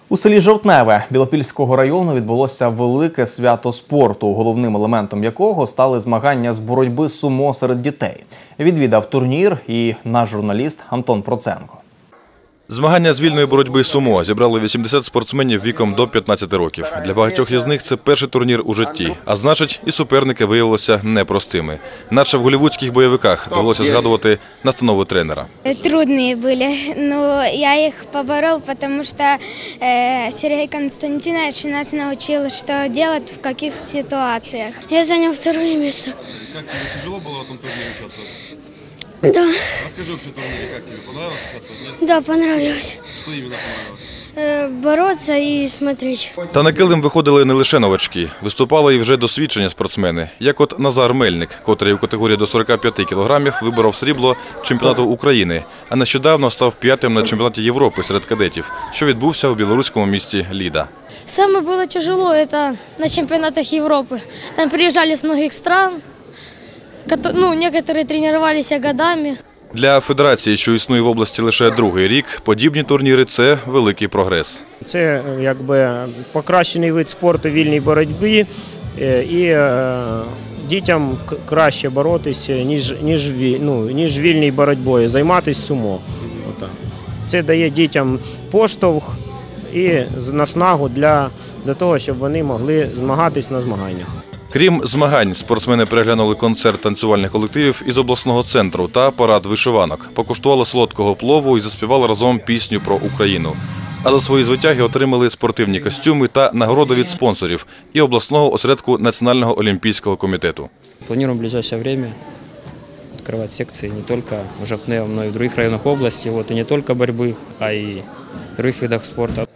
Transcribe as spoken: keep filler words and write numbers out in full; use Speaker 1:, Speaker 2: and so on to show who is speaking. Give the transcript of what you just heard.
Speaker 1: У селі Жовтневе Білопільського району відбулося велике свято спорту, головним елементом якого стали змагання з боротьби сумо серед дітей. Відвідав турнір і наш журналіст Антон Проценко.
Speaker 2: Змагання з вільної боротьби сумо зібрали вісімдесят спортсменів віком до п'ятнадцяти років. Для багатьох із них це перший турнір у житті, а значить і суперники виявилися непростими. Наче в голлівудських бойовиках довелося згадувати настанови тренера.
Speaker 3: Трудные были, но я их поборол, потому что э, Сергей Константинович нас научил, что делать в каких ситуациях. Я занял второе место.
Speaker 2: Как тебе тяжело было в этом турнире участвовать?
Speaker 3: Да.
Speaker 2: Расскажи вообще о турнире, как тебе понравилось участвовать?
Speaker 3: Да, понравилось.
Speaker 2: Что именно понравилось?
Speaker 3: Э, бороться и смотреть.
Speaker 2: Та на килим виходили не лише новачки. Виступали і вже досвідчені спортсмени, як от Назар Мельник, котрий у категорії до сорока п'яти кілограмів виборов срібло чемпіонату України, а нещодавно став п'ятим на чемпіонаті Європи серед кадетів, що відбувся у білоруському місті Ліда.
Speaker 4: Самое было тяжело это на чемпионатах Европы. Там приезжали с многих стран, ну, некоторые тренировались годами.
Speaker 2: Для федерації, що існує в області лише другий рік, подібні турніри – це великий прогрес.
Speaker 5: Це якби покращений вид спорту вільній боротьбі, і дітям краще боротися, ніж, ніж, ну, ніж вільній боротьбою, займатися сумо. Це дає дітям поштовх і наснагу для, для того, щоб вони могли змагатись на змаганнях.
Speaker 2: Крім змагань, спортсмени переглянули концерт танцювальних колективів із обласного центру та парад вишиванок, покуштували солодкого плову і заспівали разом пісню про Україну. А за свої звитяги отримали спортивні костюми та нагороду від спонсорів і обласного осередку Національного олімпійського комітету.
Speaker 6: Планируем в ближайшее время открывать секции не только в Жовтневе, но и в других районах области, вот, и не только борьбы, а и в других видах спорта.